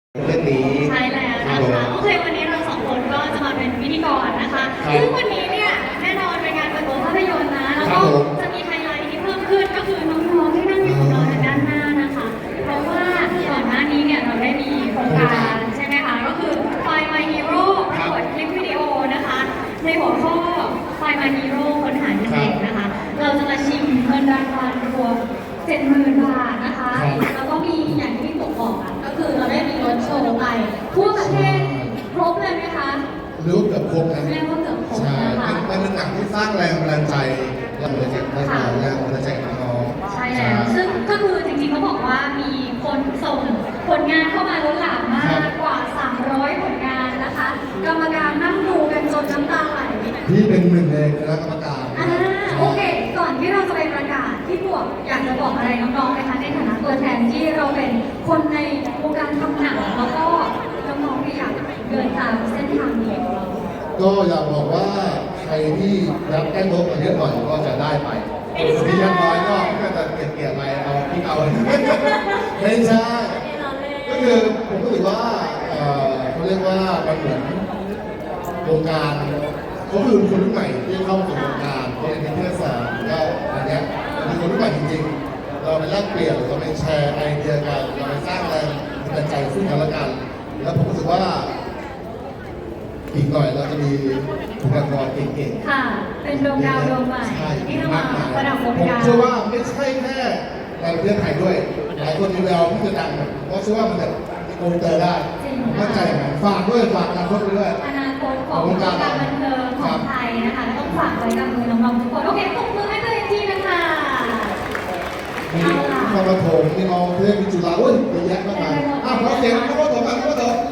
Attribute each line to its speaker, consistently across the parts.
Speaker 1: เรื่องนี้
Speaker 2: ใช่แล้วนะคะโอเควันนี้เราสองคนก็จะมาเป็นพิธีกรนะคะซึ่งวันนี้เนี่ยแน่นอนเป็นงานเปิดตัวภาพยนตร์นะแล้วก็จะมีไฮไลท์ที่เพิ่มขึ้นก็คือน้องๆที่นั่งอยู่กับเราทางด้านหน้านะคะเพราะว่าก่อนหน้านี้เนี่ยเราได้มีโครงการใช่ไหมคะก็คือ Find My Hero ประกวดคลิปวิดีโอนะคะในหัวข้อ Find My Hero ค้นหาเด็กนะคะเราจะมาชิงเงินรางวัลรวม 70,000 บาทนะคะแล้วก็มีอย่างที่ผมบอกอ่ะก็คือเราได้มีรถโชว์ไปทั่วประเทศครบเลยไหมคะ
Speaker 1: หรือเกือบครบนะ
Speaker 2: เรียกว่าเกือบครบ
Speaker 1: ใช่
Speaker 2: นะคะ
Speaker 1: มันเป็นหนังที่สร้างแรงบันดาลใจแรงบันดาลใจให้เราแรงบันดาลใจกับน้อง
Speaker 2: ใช่แล้วซึ่งก็คือจริงๆเขาบอกว่ามีคนส่งผลงานเข้ามาล้นหลามมากกว่า 300 ผลงานนะคะกรรมการนั่งดูกันจนน้ำตาไหล
Speaker 1: ที่เป็นหนึ่งในคณะกรรมการ
Speaker 2: โอเคก่อนที่เราจะไปประกาศที่บวกอยากจะบอกอะไรน้องๆไหมคะในฐานะตัวแทนที่เราเป็นคนในวงการทำหนังแล้วก็น้องๆที่อยากเดินตามเส้นทางนี้ของเรา
Speaker 1: ก็อยากบอกว่าใครที่รับแก้งบมาเยอะหน่อยก็จะได้ไปที่ยังน้อยก็จะเกลี่ยไปเอาที่เอาไม่ใช่ก็คือผมรู้สึกว่าเขาเรียกว่ามันเหมือนวงการเขาคือคนรุ่นใหม่ที่เข้าสู่วงการเขาเรียนนิเทศศาสตร์ก็อันนี้เป็นคนรุ่นใหม่จริงๆเราไปแลกเปลี่ยนเราไปแชร์ไอเดียกันเราไปสร้างแรงบันดาลใจซึ่งกันและกันแล้วผมรู้สึกว่าอีกหน่อยเราจะมีบุคลากรเก่ง
Speaker 2: ๆค่ะเป็นดวงดาวดวงใหม่ที่จะมาประดับวงการ
Speaker 1: ผมเชื่อว่าไม่ใช่แค่ในประเทศไทยด้วยหลายคนมีแววที่จะดังเพราะเชื่อว่ามันจะโกงเตอร์ได้มั่นใจไหมฝากด้วยฝากอนาคตด้วย
Speaker 2: อนาคตของวงการบันเทิงของไทยนะคะต้องฝากไว้กับมือน้องๆทุกคนโอเคปรบมือให้ตัวเองทีนะคะ
Speaker 1: มีคอมโถมมีน้องเพื่อนมีจุฬาอุ้ยเยอะแยะมากมายขอเสียงคอมโถมกันคอมโถม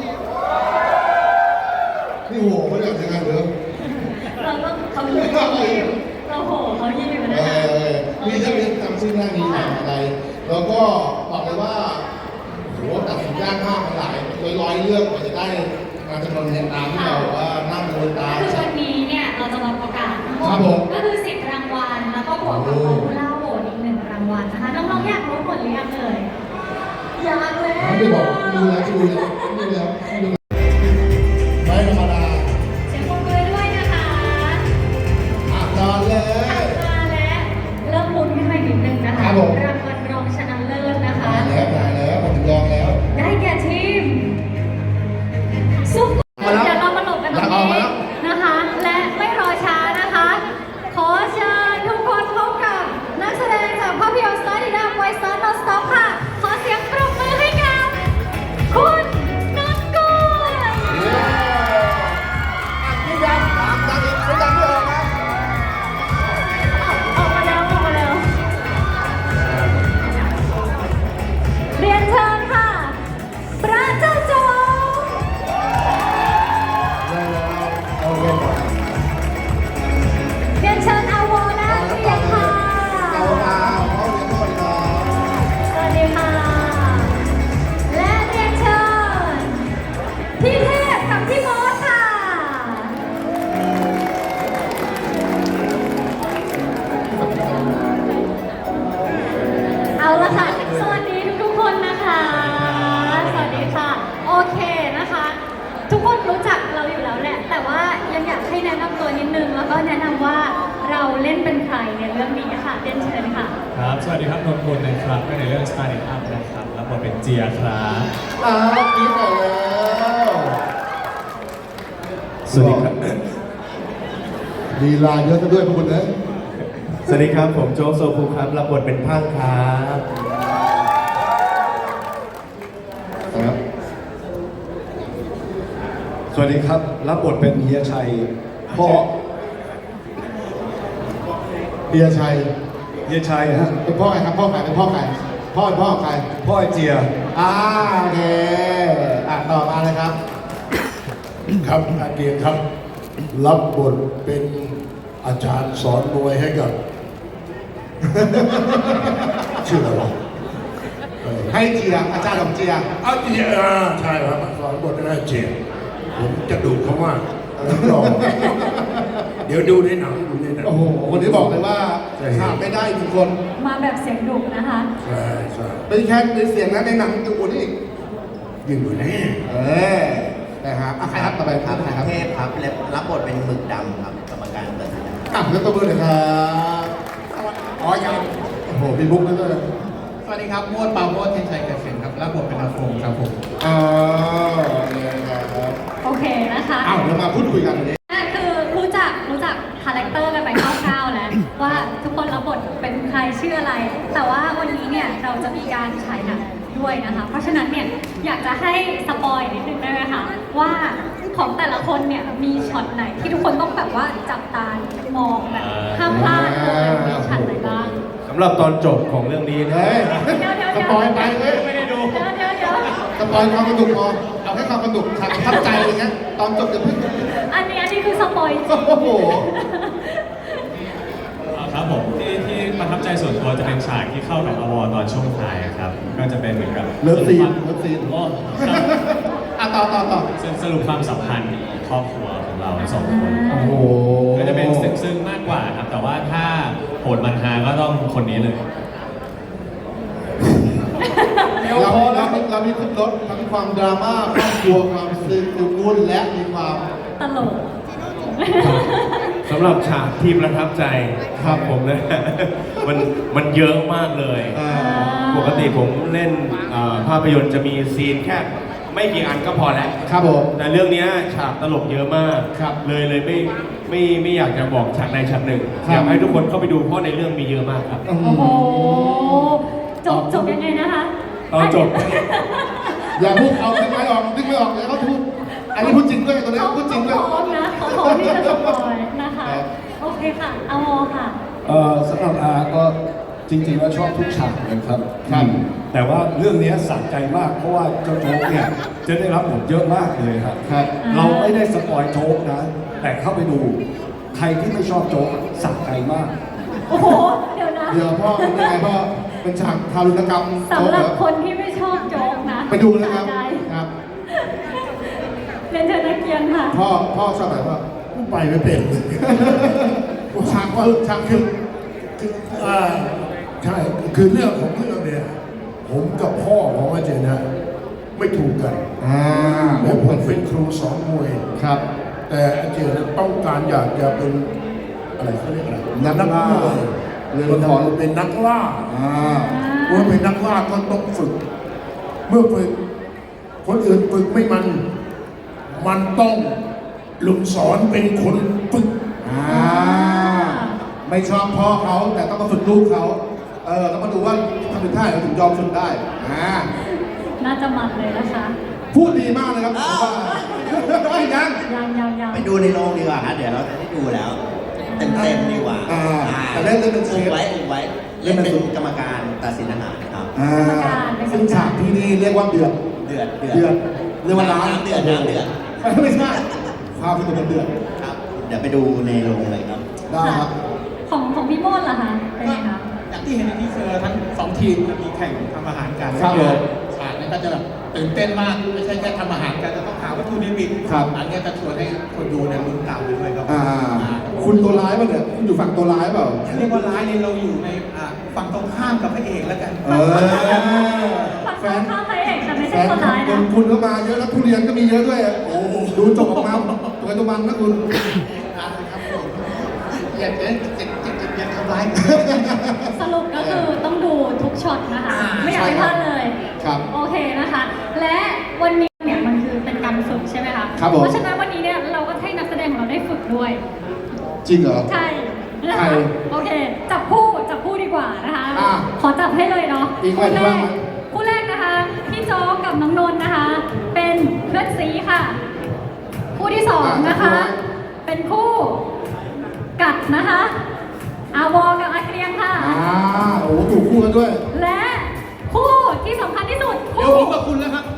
Speaker 1: นี่โหไม่ได้ทำงานเดิม
Speaker 2: เราต้องเขายิ้มเราโหเขายิ้มนะ
Speaker 1: มีเรื่องจำชื่อหน้านี้อะไรแล้วก็บอกเลยว่าโหตัดสินยากมากหลายร้อยเรื่องกว่าจะได้งานจำนวนเงินตามที่เราว่านั่งดูตาม
Speaker 2: คือวันนี้เนี่ยเราจะมาประกาศก็คือ10 รางวัลแล้วก็บวกกับโบล่าโหวตอีก1 รางวัลนะคะน้องๆอยากรู้ผลหรือยังเลยอยากแล้ว
Speaker 1: ไม่บอกดูแล้วดูแล้วไม่ธรรมดา
Speaker 2: เสียงปรบมือด้วยนะคะ
Speaker 1: ตอนเลย
Speaker 2: มาแล้วเริ่มลุ้นขึ้นมาอีกนิดนึงนะคะรางวัลรองชนะเลิศนะคะ
Speaker 1: ได้แล้วผมถึงลองแล้ว
Speaker 2: ได้แก่ทีมซุปเดี๋ยวเรามาหลบกันตรงนี้นะคะและไม่รอช้านะคะขอเชิญทุกคนพบกับนักแสดงจากภาพยนตร์ Start It Up Why Start Not Stop ค่ะขอเสียงปรบมือให้กับคุณนนกุล
Speaker 1: พี่ยักษ์ถามดังอีกไม่ดังไม่ออกนะ
Speaker 2: ออกมาแล้วเรียนเชิญค่ะพระเจ้าโจเรียนเชิญอาวอและเรียนค่ะสวัสดีค่ะและเรียนเชิญพี่เทพกับพี่มอสค่ะเอาละค่ะสวัสดีทุกคนนะคะสวัสดีค่ะโอเคนะคะทุกคนรู้จักเราอยู่แล้วแหละแต่ว่ายังอยากให้แนะนำตัวนิดนึงแล้วก็แนะนำว่าเราเล่นเป็นใครในเรื่องนี้ค่ะเรียนเชิญค่ะ
Speaker 3: ครับสวัสดีครับนนท์พลนะครับในเรื่อง Start It Up นะครับรับบทเป็นเจียครับ
Speaker 1: กินหน่อยแล้ว
Speaker 3: สวัสดีครับ
Speaker 1: ลีลาเยอะซะด้วยพวกคุณนะ
Speaker 3: สวัสดีครับผมโจ๊กโซคูครับรับบทเป็นพังครับ
Speaker 1: สวัสดีครับรับบทเป็นเฮียชัยพ่อเฮียชัยฮะเป็นพ่อใครครับพ่อใครเป็นพ่อใครพ่อใคร
Speaker 3: พ่อเจีย
Speaker 1: โอเคต่อมาเลยครับ
Speaker 4: ครับอาเกียรติครับรับบทเป็นอาจารย์สอนมวยให้กับชื่ออะไรวะ
Speaker 1: ให้เจียอาจารย์ของเจีย
Speaker 4: เจียใช่ครับสอนบทให้เจียผมจะดูเขามากรอเดี๋ยวดูในหนัง
Speaker 1: โอ้โหวันนี้บอกเลยว่าขาดไม่ได้ทุกคน
Speaker 2: มาแบบเสียงดุนะคะ
Speaker 4: ใช่
Speaker 1: ไม่แค่ในเสียงนะในหนังดูนี่
Speaker 4: ยิ่งกว่านี้
Speaker 1: นะครับใครครับต่อไป
Speaker 5: ครับ
Speaker 1: ใครครับ
Speaker 5: เทพครับรับบทเป็นหมึกดำครับกรรมการตัดสิน
Speaker 1: แล้วตัวมือหน่อยครับอ๋อยังโอ้โหมีบุ๊กด้วย
Speaker 6: สวัสดีครับโมดปาโมดเทนชัยเกษมครับรับบทเป็นอาโฟงครับผม
Speaker 1: อ๋อเนี่ยครับ
Speaker 2: โอเคนะคะ
Speaker 1: อ้าวเรามาพูดคุยกันวันนี้
Speaker 2: คือรู้จักคาแรคเตอร์กันไปคร่าวๆแล้วว่าทุกคนรับบทเป็นใครชื่ออะไร แต่ว่าวันนี้เนี่ยเราจะมีการฉายหนังด้วยนะคะ เพราะฉะนั้นเนี่ยอยากจะให้สปอยนิดนึงได้ไหมคะว่าของแต่ละคนเนี่ยมีช็อตไหนที่ทุกคนต้องแบบว่าจับตามองแบบห้ามพลาดเลยมีช็อตไหนบ้าง
Speaker 3: สำหรับตอนจบของเรื่องนี้นะ
Speaker 1: เฮ้ย
Speaker 2: เดี๋ยว
Speaker 1: สปอยไปเว้ย
Speaker 3: ไม่ได้ดู
Speaker 2: เดี๋ยว
Speaker 1: สปอยความสนุกพอเอาให้ความสนุกทับใจอะไรเงี้ยตอนจบจะพึ่ง
Speaker 2: อันนี้คือสปอยจริง
Speaker 1: โอ้โห
Speaker 3: ครับผมที่ประทับใจส่วนตัวจะเป็นฉากที่เข้ากับอวตอนช่วงท้ายครับ ก็จะเป็นเหมือนกับ
Speaker 1: เลิฟซีน
Speaker 3: โอ้ครับ
Speaker 1: อ่ะต่อ
Speaker 3: สรุปความสัมพันธ์ของครอบครัวของเราทั้งสองคน
Speaker 1: โอ้โห
Speaker 3: ก็จะเป็นซึ้งๆมากกว่าครับ แต่ว่าถ้าโหดมันฮาก็ต้องคนนี้เลย
Speaker 1: เรามีครบรถทั้งความดราม่าครอบครัวความซึ้งวุ่นและมีความ
Speaker 2: ตลก
Speaker 7: สำหรับฉากที่ประทับใจครับผมนะ มันเยอะมากเลย ปกติผมเล่นภาพยนตร์จะมีซีนแค่ไม่กี่อันก็พอแล้ว
Speaker 1: ครับผม
Speaker 7: แต่เรื่องเนี้ยฉากตลกเยอะมาก
Speaker 1: ครับ
Speaker 7: เลยไม่อยากจะบอกฉากใดฉากหนึ่ง
Speaker 1: ครับ
Speaker 7: อยากให้ทุกคนเข้าไปดูเพราะในเรื่องมีเยอะมากครับ
Speaker 2: โอ้โห จบยังไงนะคะ
Speaker 7: ตอนจบ
Speaker 1: อย่าพูดเอาไม่ออกนึกไม่ออกแล้วเขาพูดอันนี้พูดจริงด้วยตัวนี้พูดจริงด้วย
Speaker 2: เขาพร้อมนะเขาพร้อมที่จะสปอยนะคะ
Speaker 1: ครับ
Speaker 2: โอเคค่ะเอาโมค่ะ
Speaker 8: สำหรับอาก็จริงๆแล้วชอบทุกฉากเลยครับ
Speaker 1: ครับ
Speaker 8: แต่ว่าเรื่องนี้สะใจมากเพราะว่าเจ้าโจ๊กเนี่ยจะได้รับบทเยอะมากเลยครับ
Speaker 1: ครับ
Speaker 8: เราไม่ได้สปอยโจ๊กนะ แต่เข้าไปดู ใครที่ไม่ชอบโจ๊กสะใจมาก
Speaker 2: โอ้โห เดี๋ยวนะ
Speaker 1: เดี๋ยวพ่อเป็นยังไงพ่อเป็นฉากทารุณกรรม
Speaker 2: สำหรับคนที่ไม่ชอบโจ๊กนะ
Speaker 1: ไปดูเลยครับ
Speaker 2: สะใจ
Speaker 1: ครับ
Speaker 2: เรียนเชิญนักเรียนค่ะ
Speaker 1: พ่อชอบไหนพ่อ
Speaker 4: ไปไม่เป็น
Speaker 1: ฉากคือ
Speaker 4: ใช่คือเรื่องของเรื่องเนี่ยผมกับพ่อของอาเจนนะไม่ถูกกันแล้วผมเป็นครูสอนมวย
Speaker 1: ครับ
Speaker 4: แต่อาเจนต้องการอยากจะเป็นอะไรเขาเรียกอะไร
Speaker 1: นักล่า
Speaker 4: เรือทอนเป็นนักล่า เมื่อเป็นนักล่าก็ต้องฝึก เมื่อฝึกคนอื่นฝึกไม่มันต้องลุงสอนเป็นคนฝึก
Speaker 1: ไม่ชอบพ่อเขาแต่ต้องมาฝึกลูกเขาต้องมาดูว่าทำถึงได้เราถึงยอมฝึกได้
Speaker 2: น่าจะมันเลยนะคะ
Speaker 1: พูดดีมากเลยครับผมว่ายัง
Speaker 2: ยัง
Speaker 5: ไปดูในโรงดีกว่าครับเดี๋ยวเราจะได้ดูแล้วเต็มๆดีกว่า
Speaker 1: แต่เล่นเป็นเช
Speaker 5: อุบ
Speaker 1: ฟ
Speaker 5: ไว้เล่นเป็นกรรมการตัดสินอาหารครับ
Speaker 1: ซึ่งฉากที่นี่เรียกว่าเดือด
Speaker 5: เดือด
Speaker 1: เรียกว่าร้าน
Speaker 5: น้ำเดือดน้ำเดือด
Speaker 1: ไม่ใช่ความเป็นเดือด
Speaker 5: ครับ เดี๋ยวไปดูในโรงเลยครับ
Speaker 1: ได้ครับ
Speaker 2: ของพี่โมดล่ะคะเป็นไงคะ
Speaker 6: อย่างที่เห็นในทีเซอร์ทั้งสองทีมมีแข่งทำอาหารกัน
Speaker 1: ครับผม
Speaker 6: ฉากนี้ก็จะแบบตื่นเต้นมากไม่ใช่แค่ทำอาหารกันจะต้องหาวัตถุดิบ
Speaker 1: ครับ
Speaker 6: อันนี้จะชวนให้คนดูเนี่ยลุ้นตามไปด้วยครับ
Speaker 1: คุณตัวร้ายป่ะเนี่ยคุณอยู่ฝั่งตัวร้ายเปล่า
Speaker 6: เรียกว่าร้ายเนี่ยเราอยู่ในฝั่งตรงข้ามกับพระเอกแล้วกัน
Speaker 2: ฝั่งตรงข้ามพระเอกแต่ไม่
Speaker 1: แฟ
Speaker 2: ใช่
Speaker 1: น
Speaker 2: คนร้าย
Speaker 1: ค
Speaker 2: นะ
Speaker 1: นคุณก็มาเยอะแล้วทุเรียนก็มีเยอะด้วยโอ้ดูจบออกมาตัวตัวมันนะคุณ
Speaker 6: อย่าทำร้าย
Speaker 2: สรุปก็คือต้องดูทุกช็อตนะคะ ไม่อยากให้พลาดเลย
Speaker 1: ครับ
Speaker 2: โอเคนะคะ และวันนี้เนี่ยมันคือเป็นการฝึกใช่ไหมคะ
Speaker 1: ครับผม
Speaker 2: เพราะฉะนั้นวันนี้เนี่ยเราก็ให้นักแสดงของเราได้ฝึกด้วย
Speaker 1: จริงเหรอ
Speaker 2: ใช่นะ
Speaker 1: ใคร
Speaker 2: คะโอเค จับคู่ดีกว่านะคะ
Speaker 1: อ่ะ
Speaker 2: ขอจับให้เลยเนาะ
Speaker 1: อีก
Speaker 2: คู่
Speaker 1: ไหม
Speaker 2: แร
Speaker 1: อีก
Speaker 2: ก
Speaker 1: ไหม
Speaker 2: คู่แรกนะคะ พี่โจ๊กกับน้องนนท์นะคะ เป็นเพื่อนซีค่ะ คู่ที่สองนะคะ เป็นคู่กัดนะคะ อาวอกับอาเกรียงค่ะ
Speaker 1: โอ้ถูกคู่กันด้วย
Speaker 2: และคู่ที่สำคัญที่สุด
Speaker 6: เดี๋ยวผมกับคุณแล้วครับ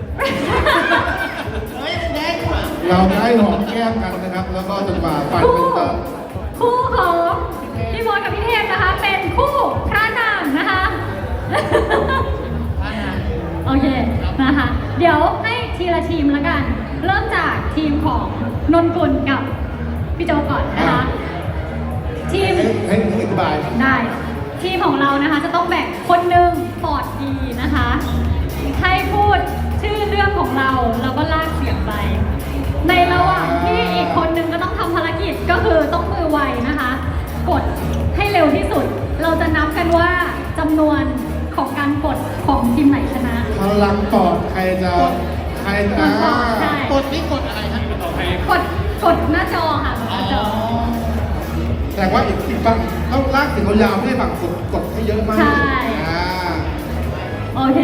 Speaker 1: เราได้หอมแก้มกันนะครับ แล้วก็จนกว่าไฟเป็นตา
Speaker 2: คู่ของพี่บอยกับพี่เทพนะคะ เป็นคู่พระนางนะคะ โอเคนะคะ เดี๋ยวให้ทีละทีมแล้วกัน เริ่มจากทีมของนนกุลกับพี่โจก่อนนะคะ ทีม
Speaker 1: ให้อธิบาย
Speaker 2: ได้ทีมของเรานะคะจะต้องแบ่งคนหนึ่งปอดดีนะคะให้พูดชื่อเรื่องของเราก็ลากเสียงไป ในระหว่างที่อีกคนนึงก็ต้องทำภารกิจก็คือต้องมือไวนะคะ กดให้เร็วที่สุด เราจะนับกันว่าจำนวนของการกดของทีมไหนชนะ
Speaker 1: พลังปอดใครจะ
Speaker 2: ใช่
Speaker 6: กดนี่กดอะไรฮะ
Speaker 2: กดหน้าจอค่ะกดหน้าจอ
Speaker 1: แต่ว่าอีกฝั่งต้องลากถึงยาวๆให้ฝั่งกดให้เยอะมาก
Speaker 2: ใช่
Speaker 1: อ่า
Speaker 2: โอเค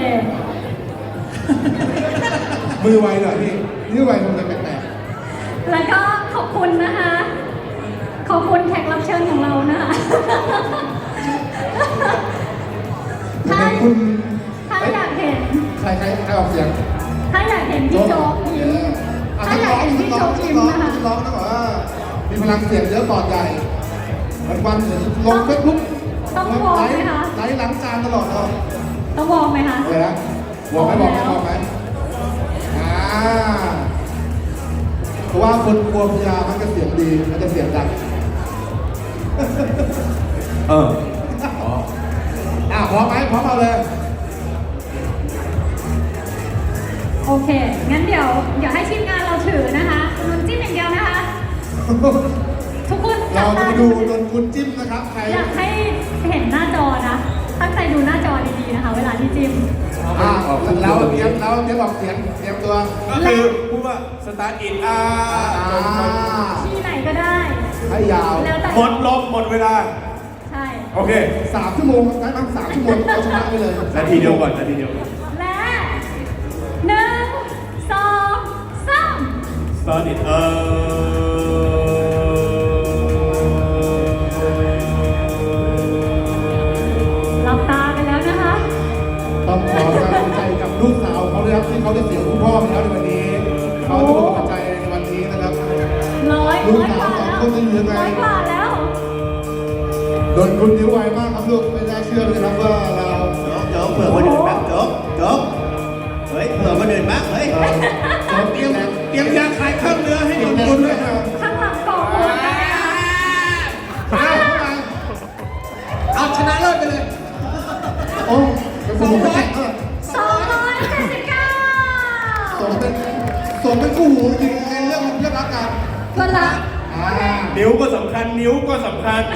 Speaker 1: มือไวหน่อยพี่มือไวคงจะแปลก
Speaker 2: แล้วก็ขอบคุณนะคะ ขอบคุณแขกรับเชิญของเรานะคะ
Speaker 1: ๆ
Speaker 2: ถ้า
Speaker 1: คุณ
Speaker 2: อยากเห็น
Speaker 1: ใครออกเสียง
Speaker 2: ถ้าอยากเห็นพี่โจ๊กยิ้มถ้าอยากเห็นพี่โจ๊กยิ้มนะคะ
Speaker 1: ร้องต้องบอกว่ามีพลังเสียงเยอะปอดใหญ่วันๆเห็นลงเฟซบุ๊ก
Speaker 2: ต้องวอร์มไหมคะ
Speaker 1: ไลฟ์ล้างจานตลอดเลย
Speaker 2: ต้องวอร์มไหมคะ
Speaker 1: อะไรนะบอกไหมเพราะว่าคนกลัวพยามันจะเสียงดีมันจะเสียงดัง
Speaker 7: เออ
Speaker 1: พร้อมไหมพร้อมเอาเลย
Speaker 2: โอเค งั้นเดี๋ยวให้ทีมงานเราถือนะคะนนจิ้มอย่างเดียวนะคะ ทุกคน
Speaker 1: เราจะมาดูโดนคุณจิ้มนะครับใคร
Speaker 2: อยากให้เห็นหน้าจอนะ ตั้งใจดูหน้าจอดีๆนะคะ เวลาที่จิ้ม
Speaker 1: เราเตรียมบอกเสียงเตรียมตัว
Speaker 7: ก็คือพูดว่า start in
Speaker 2: ที่ไหนก็ได้
Speaker 1: ให้ยาว
Speaker 2: แล้วแต่
Speaker 7: หมดลมหมดเวลา
Speaker 2: ใช่
Speaker 7: โอเค
Speaker 1: 3 ชั่วโมงได้มั้ง3 ชั่วโมงเราชนะไปเลย
Speaker 7: นาทีเดียวก่อนนาทีเดียว
Speaker 2: และ1 2 3
Speaker 7: start in
Speaker 2: หลับตาไปแล้วนะคะ
Speaker 1: ต้องขอกำลังใจกับลูกสาวเขาด้วยครับที่เขาได้เสียคุณพ่อไปแล้วในวันนี้เขาจะเป็นกำลังใจในวันนี้นะครับ
Speaker 2: ร้อย
Speaker 1: ลูก
Speaker 2: ก
Speaker 1: สาว
Speaker 2: ว่า
Speaker 1: สอง
Speaker 2: แล้ว
Speaker 1: คนจะอยู่ยังไง
Speaker 2: ร้อยกว่าแล้ว
Speaker 1: โดนคุณนิ้วไวมากครับลูกไม่น่าเชื่อเลยครับว่าเรา
Speaker 5: โจ๊กเผื่อคนอื่นบ้างโจ๊กเฮ้ยเผื่อคนอื่นบ้างเฮ้ย
Speaker 6: เตรียมยาคลายข้ามเนื้อให้นนกุลด้วยครับ
Speaker 2: ข้างหลังกล่องคุณนะ
Speaker 6: เอาชนะเลิศไปเลย
Speaker 1: โอ้เป็นสมุนไพร
Speaker 2: 279
Speaker 1: สมเป็นคู่หูจริงในเรื่องรักกัน
Speaker 2: ก็รัก
Speaker 7: นิ้วก็สำคัญ นิ้วก็สำคัญ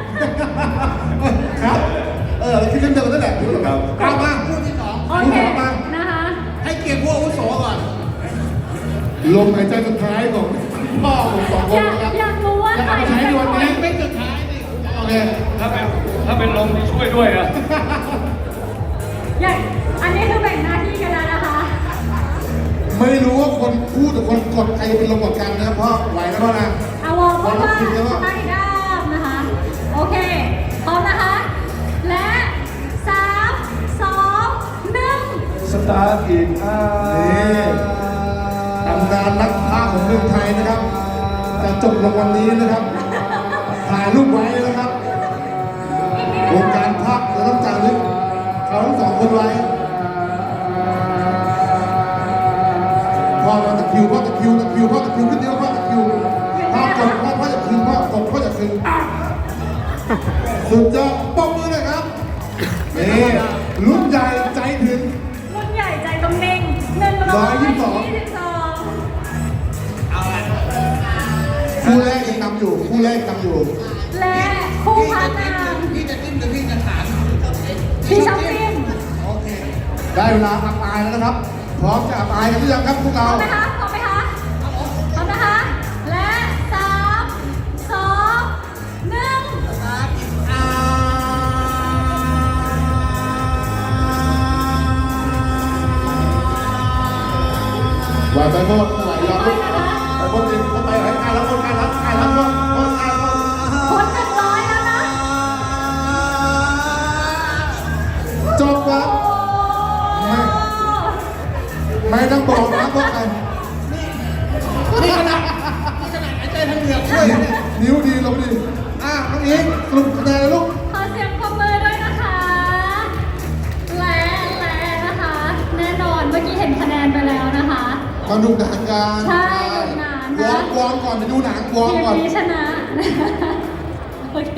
Speaker 1: ครับคิดเรื่องเดียวกันนั่นแหละครับ
Speaker 6: กลับมาพูดที่สอง
Speaker 2: โอเคนะคะ
Speaker 6: ให้เกียรติผู้อาวุโสก่อน
Speaker 1: ลมหายใจสุดท้ายของพ่อผมสองคนนะครับ
Speaker 2: อยากรู้ว่า
Speaker 1: จะ
Speaker 2: ใคร
Speaker 1: เอาไปใช้ในวันนี้
Speaker 6: เป็นสุดท้ายนี่
Speaker 1: โอเค
Speaker 3: ถ้าเป็นลมที่ช่วยด้วยอะ
Speaker 2: อยากอันนี้คือแบ่งหน้าที่กันแล้วนะคะ
Speaker 1: ไม่รู้ว่าคนพูดหรือคนกดใครเป็นลมกดกันนะเพราะไหวแล้วพ่อนะ
Speaker 2: เอาวอร์มว่าใต้ด้ามนะคะ โอเค พร้อมนะคะ และ3 2 1
Speaker 8: start in
Speaker 1: นี่ตำนานนักพากย์ของเมืองไทยนะครับ จะจบลงวันนี้นะครับ ถ่ายรูปไว้นะครับวงการพากย์เราต้องจารึกเขาทั้งสองคนไว้พ่อตะคิวขึ้นเดียวพ่อตะคิวพ่อกดพ่อจะคืนพ่อกดพ่อจะคืนสุดยอดปมมือเลยครับนี่รุ่นใหญ่ใจถึง
Speaker 2: รุ่นใหญ่ใจต้องเน่ง122
Speaker 1: คู่แรกยังนำอยู่
Speaker 2: และคู่พันนาง
Speaker 6: พี่จะจิ้มหรือพี่จะถาม
Speaker 2: พี่ชอบจิ้ม
Speaker 6: โอเค
Speaker 1: ได้เวลาอับอายแล้วนะครับ พร้อมจะอับอายกันหรือยังครับพวก
Speaker 2: พร้
Speaker 1: เรา
Speaker 2: อมไหมคะพร้อมไหมคะพร้อมนะคะ และ3 2 1
Speaker 1: ไหวไปหมดไหวยอมไปหมดจริงเข้าไปให้ใครรับคนใครรับหมดคนใครหมด
Speaker 2: คน100แล้วนะ
Speaker 1: จบครับ ไม่ต้องบอกนะพวกใคร
Speaker 6: นี่ขนาดหายใจทางเหงือกช่วยเนี่ย
Speaker 1: นิ้วดีลงดีน้องอิงสรุปคะแนนลูก
Speaker 2: ขอเสียงปรบมือด้วยนะคะ และนะคะ แน่นอนเมื่อกี้เห็นคะแนนไปแล้วนะคะ
Speaker 1: มาดูหนังกัน
Speaker 2: ใช่ดูหนังนะ
Speaker 1: วอร์มก่อนไปดูหนังวอร์ม
Speaker 2: ทีม
Speaker 1: ก่อน
Speaker 2: นี้ชนะ โอเค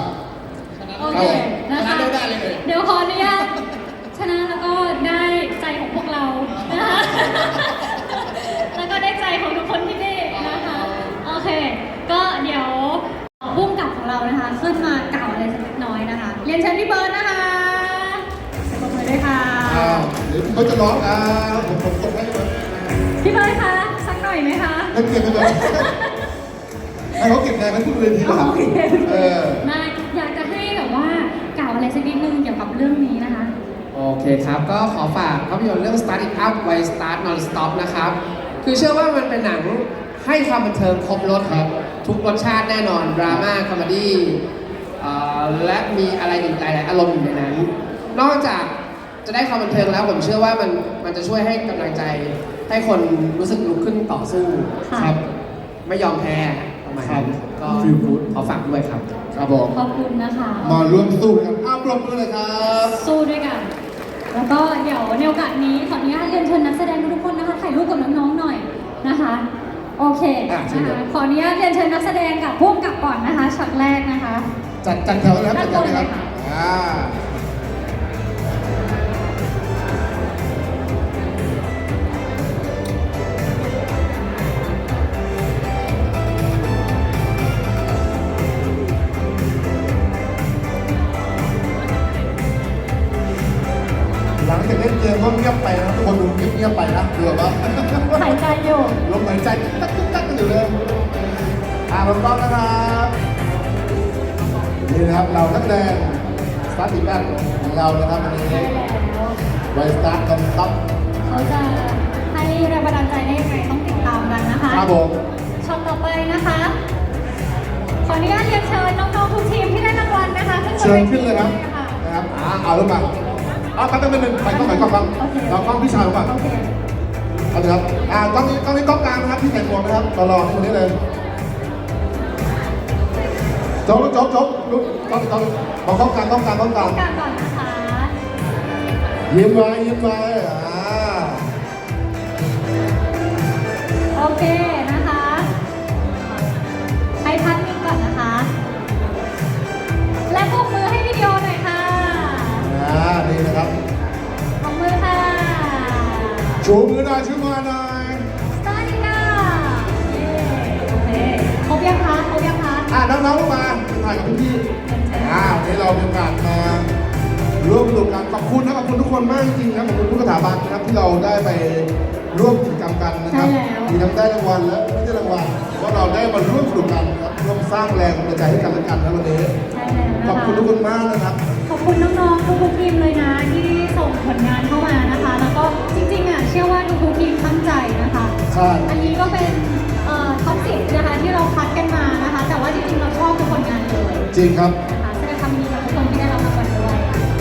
Speaker 2: โอเคนะคะ เดี๋ยวขออนุญาตชนะแล้วก็ได้ใจของพวกเรานะคะแล้วก็ได้ใจของทุกคนที่นี่นะคะโอเค ก็เดี๋ยวพุ่งกับของเรานะคะขึ้นมากล่าวอะไรสักเล็กน้อยนะคะเรียนเชิญพี่เบิร์ดนะคะปรบมือด้วยค่ะ
Speaker 1: เดี๋ยวเขาจะร้องผมส่งให้เลย
Speaker 2: พี่เบิร์ดคะสักหน่อยไหมคะ
Speaker 1: แล้วเก็บไปเลยให้เขาเก็บแรงไว้ทุกเวทีแล้ว
Speaker 2: โอเค
Speaker 1: เออ
Speaker 2: ได้อยากจะให้แบบว่ากล่าวอะไรสักนิดนึงเกี่ยวกับเรื่องนี้นะคะ
Speaker 9: โอเคครับ ก็ขอฝากภาพยนตร์เรื่อง Start It Up Why Start Non Stop นะครับ คือเชื่อว่ามันเป็นหนังให้ความบันเทิงครบรสครับ ทุกรสชาติแน่นอน ดราม่า คอมเมดี้และมีอะไรอีกหลายๆอารมณ์อยู่ในนั้น นอกจากจะได้ความบันเทิงแล้วผมเชื่อว่ามันจะช่วยให้กำลังใจให้คนรู้สึกลุกขึ้นต่อสู้
Speaker 2: ค่ะ
Speaker 9: ครับ ไม่ยอมแพ้ประมาณนั้นก็ขอฝากด้วยครับ
Speaker 1: ครับผม
Speaker 2: ขอบคุณนะคะ
Speaker 1: มาร่วมสู้กันอ้าวปรบมือเลยครับ
Speaker 2: สู้ด้วยกัน แล้วก็เดี๋ยวในโอกาสนี้ขออนุญาตเรียนเชิญนักแสดงทุกคนนะคะถ่ายรูปกับน้องๆหน่อยนะคะ โอเคนะคะขออนุญาตเรียนเชิญนักแสดงกับผู้กำกับก่อนนะคะช็อตแรกนะคะ
Speaker 1: จัดแถวนะครับจัดแถวนะครับอ่า หลังจากเล่นเกมก็เงียบไปนะครับทุกคนดูเงียบๆไปนะดูแบบว่า
Speaker 2: หายใจอยู่
Speaker 1: ลมหายใจตักตักกันอยู่เลยเราต้องนะครับนี่นะครับเรานักแสดงสตาร์ทอีกแรกของเรานะครับวันนี้
Speaker 2: ได้แล้ว
Speaker 1: ไวสตาร์ทกันต๊อป
Speaker 2: เขาจะให้แรงบันดาลใจได้ยังไงต้องติดตามกันนะคะ
Speaker 1: ครับผม
Speaker 2: ช็อตต่อไปนะคะ ขออนุญาตเรียนเชิญน้องๆทุกทีมที่ได้รางวัลนะคะขึ้นบน
Speaker 1: เชิ
Speaker 2: ว
Speaker 1: ญ
Speaker 2: ที
Speaker 1: ขึ้นเลยครับ
Speaker 2: ค่ะ
Speaker 1: นะครับเอาลงมาครับตั้งเป็นหนึ่งไปกล้องครับ
Speaker 2: โอเค
Speaker 1: เรากล้องพี่ชายลงมา
Speaker 2: โอเค
Speaker 1: เอาเลยครับกล้องนี้กล้องกลางนะครับที่แต่งหมวกนะครับรอที่ตรงนี้เลยจบลุกกล้องมองกล้องกลาง
Speaker 2: ต้องการก่อนนะคะ
Speaker 1: ยิ้มไว้
Speaker 2: โอเคนะคะให้พักนิ่งก่อนนะคะ และปรบมือให้วิดีโอหน่อยค่ะ
Speaker 1: นี่นะครับ
Speaker 2: ปรบมือค่ะ
Speaker 1: ชูมือหน่อยชูมือหน่อย
Speaker 2: สวัสดีค่ะโอเคครบยังคะ
Speaker 1: น้องๆลงมาถ่ายกับพี่วันนี้เรามีโอกาสมาร่วมสนุกกันขอบคุณนะขอบคุณทุกคนมากจริงๆนะขอบคุณทุกสถาบันนะครับที่เราได้ไปร่วมกิจกรรมกันนะครับมีทั้งได้รางวัลและไม่ได้รางวัลว่าเราได้มาร่วมสนุกกันนะครับร่วมสร้างแรงบันดาลใจให้กันและกันนะวันนี้
Speaker 2: ใช่แล้วนะคะ
Speaker 1: ขอบคุณทุกคนมากนะครับ
Speaker 2: ขอบคุณน้องๆทุกๆทีมเลยนะที่ส่งผลงานเข้ามานะคะ แล้วก็จริงๆเชื่อว่าทุกๆทีมตั้งใจนะคะ
Speaker 1: ใช่
Speaker 2: อันนี้ก็เป็นท็อป10นะคะที่เราคัดกันมานะคะ แต่ว่าจริงๆเราชอบทุกผลงานเลย
Speaker 1: จริงครับ
Speaker 2: นะคะแสดงความยินดีกับทุกคนที่ได้รับรางวัลด้วย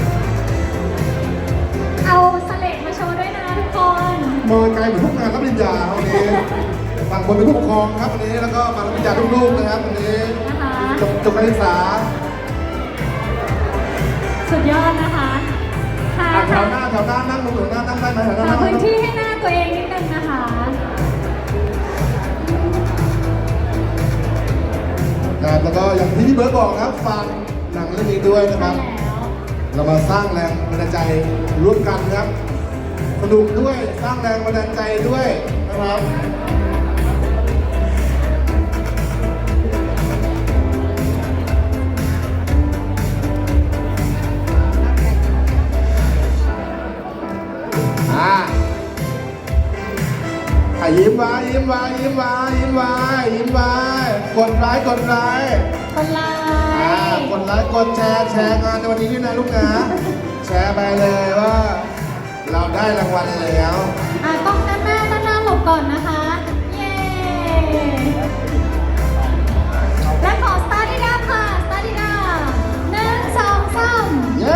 Speaker 2: เอาสเลดมาโชว์ด้วยนะทุกคน
Speaker 1: มองไกลเหมือนทุกงานรับปริญญาวันนี้บางคนเป็นผู้ปกครองครับวันนี้แล้วก็มารับปริญญาลูกๆนะครับวันนี้
Speaker 2: นะคะ
Speaker 1: จบการศึกษา
Speaker 2: สุดยอดนะคะค่ะ
Speaker 1: แถวหน้านั่งลงแถวหน้านั่งได้ไหมแถวหน้า
Speaker 2: หา
Speaker 1: นั่ง
Speaker 2: พื้นที่ให้หน้าตัวเองนิดนึงนะคะ
Speaker 1: ครับแล้วก็อย่างที่พี่เบิร์ดบอกครับฝากหนังเรื่องนี้ด้วยนะครับ
Speaker 2: แล้ว
Speaker 1: เรามาสร้างแรงบันดาลใจร่วมกันครับสนุกด้วยสร้างแรงบันดาลใจด้วยนะครับยิ้มไว้กดไลค์กดแชร์งานในวันนี้ด้วยนะลูกนะแชร์ไปเลยว่าเราได้รางวัลแล้ว
Speaker 2: ต้องด้านหน้าหลบก่อนนะคะ เย้ และขอสตาร์ทได้ค่ะสตาร์ทได้1 2 3
Speaker 1: เย้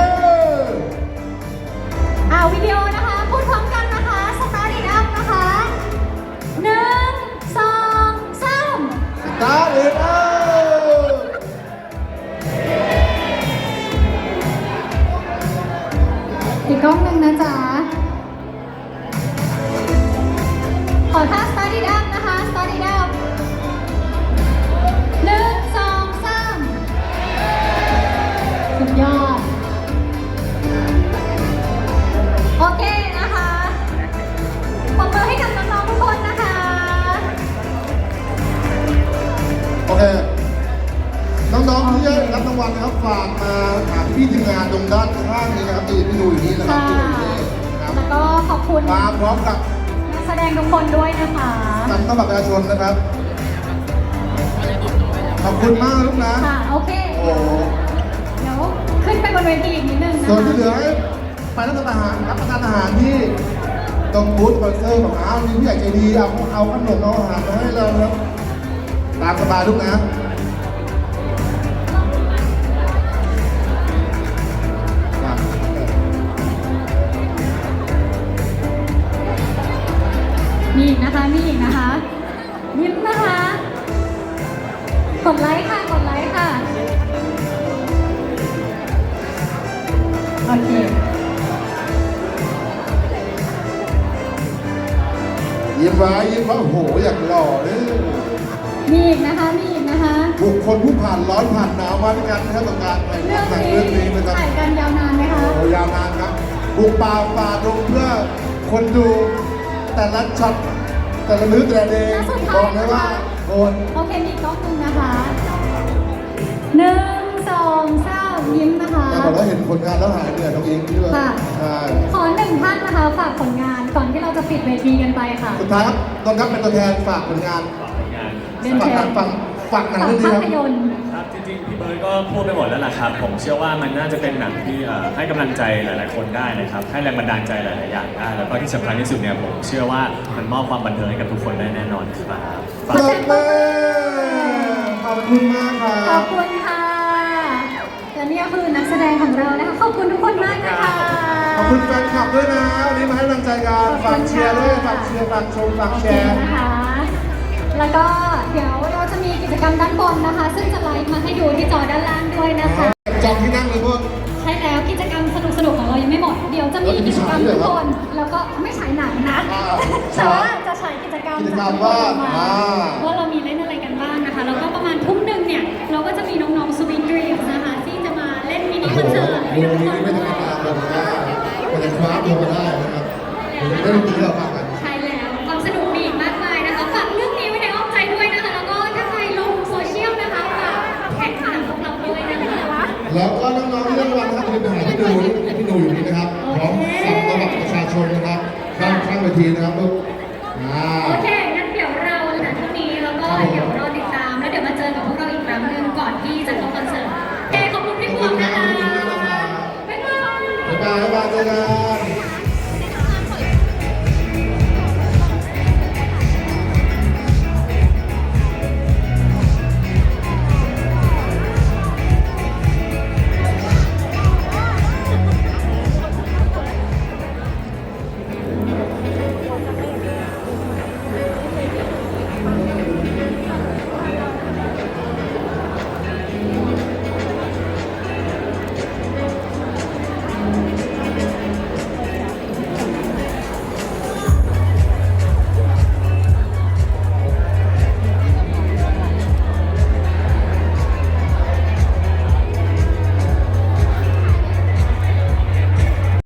Speaker 2: วิดีโอนะคะ พูดพร้อมกันนะคะสตาร์ทได้นะคะ1 2 3
Speaker 1: สตาร์ทเลย
Speaker 2: อีกกล้องหนึ่งนะจ๊ะ ขอท่า start it up นะคะ start it up 1 2 3 สุดยอด โอเคนะคะ
Speaker 1: งานตรงด้านข้างนี้นะครับที่ดูอยู่นี่นะครับ
Speaker 2: ค่ะ
Speaker 1: ที่อยู่นี่นะครับ
Speaker 2: แล้วก็ขอบคุณ
Speaker 1: มาพร้อมกับ
Speaker 2: นักแสดงทุกคนด้วยนะคะ
Speaker 1: นำเข้าบัตรประชาชนนะครับ ขอบคุณมากลูกนะ
Speaker 2: ค่ะโอเค
Speaker 1: โอ้โห
Speaker 2: เดี๋ยวขึ้นไปบนเวทีอีกนิดนึงนะ
Speaker 1: ส่วนที่
Speaker 2: คะ
Speaker 1: เหลือให้ไปรับประทานอาหารที่ตรงบูธสปอนเซอร์ของอ้าวมีผู้ใหญ่ใจดีเอาขนมเอาอาหารมาให้เราครับตามสบายลูกนะ
Speaker 2: มีอีกนะคะมีอีกนะคะยิ้มนะคะ กดไลค์ค่ะ กดไลค์ค่ะ โอเค
Speaker 1: ยิ้มไว้ยิ้มไว้โอ้โหอยากหล่อเลย
Speaker 2: มีอีกนะคะมีอีกนะคะ
Speaker 1: บุคคลผู้ผ่านร้อนผ่านหนาวมาด้วยกันนะครับกับการถ่าย
Speaker 2: เรื่อง
Speaker 1: หนัง
Speaker 2: นี้
Speaker 1: เรื่องนี้นะครับ
Speaker 2: ถ่ายกันยาวนานไหมคะ
Speaker 1: โอ้ยาวนานครับบุกป่าฝ่าดงเพื่อคนดูแต่ละช็อตแต่ละมื้อแต่ละเดย์
Speaker 2: แล้วสุด
Speaker 1: บ
Speaker 2: ท้า
Speaker 1: อย กเลยว่าโอน
Speaker 2: โอเคมีอีกกล้องหนึงนะคะหนึ่งสองสามยิ้มนะคะ
Speaker 1: แต่บอกว่าเห็นผลงานแล้วหายเหนื่อยน้องอิงที่ว่า
Speaker 2: ค่ะ
Speaker 1: ใช่
Speaker 2: ขอหนึ่งท่านนะคะฝากผลงานก่อนที่เราจะปิดเวทีกันไปค่ะ
Speaker 1: สุดท้ายครับตอนครับเป็นตัวแทนฝากผลงาน
Speaker 2: เรียน
Speaker 1: ฝาก
Speaker 2: เชิ
Speaker 1: หนั
Speaker 2: ญ
Speaker 1: งฝากหนัง
Speaker 2: ฝาก
Speaker 1: เรื่องนี้
Speaker 2: ภา
Speaker 1: ครับ
Speaker 2: พยนตร์
Speaker 3: ครับจริงๆพี่เบิร์ดก็พูดไปหมดแล้วล่ะครับ ผมเชื่อว่ามันน่าจะเป็นหนังที่ให้กำลังใจหลาย ๆ คนได้นะครับให้แรงบันดาลใจหลาย ๆ อย่างได้แล้วก็ที่สำคัญที่สุดเนี่ยผมเชื่อว่ามันมอบความบันเทิงให้กับทุกคนได้แน่นอนครับ
Speaker 1: ปรบมือขอบคุณมากครั
Speaker 2: ขอบบ คุณค่ะและนี่ก็คือนักแสดงของเรานะคะ ขอบคุณทุกคนมากนะคะ
Speaker 1: ขอบคุณแฟนคลับด้วยนะวันนี้มาให้กำลังใจกัน
Speaker 2: ขอบคุณ
Speaker 1: ฝากเชียร์ด้วย
Speaker 2: ค่ะ
Speaker 1: ฝากเชียร์ฝากชมฝาก
Speaker 2: โอ
Speaker 1: แช
Speaker 2: เค
Speaker 1: ร์
Speaker 2: นะคะ แล้วก็เดี๋ยวเราจะมีกิจกรรมด้านบนนะคะ ซึ่งจะไลฟ์มาให้ดูที่จอด้านล่างด้วยนะคะ
Speaker 1: จองที่นั่งเลยพวก
Speaker 2: ใช่แล้วกิจกรรมสนุกๆของเรายังไม่หมด เดี๋ยวจะมีกิจกรรมทุกคนแล้วก็ไม่ฉายหนังนะ
Speaker 1: อ่า
Speaker 2: แต่ว่าจะฉายกิจกรรม
Speaker 1: กิจกรรมว่า
Speaker 2: ว่าเรามีเล่นอะไรกันบ้างนะคะ แล้วก็ประมาณทุ่มหนึ่งเนี่ยเราก็จะมีน้องๆสวีทดรีมนะคะที่จะมาเล่นมินิคอนเสิร์ต
Speaker 1: วงนี้ไม่ธรรมดาเลยนะมันจะคว้าตัวมาได้นะครับเดี๋ยวได้ดนตรีเราฟังกัน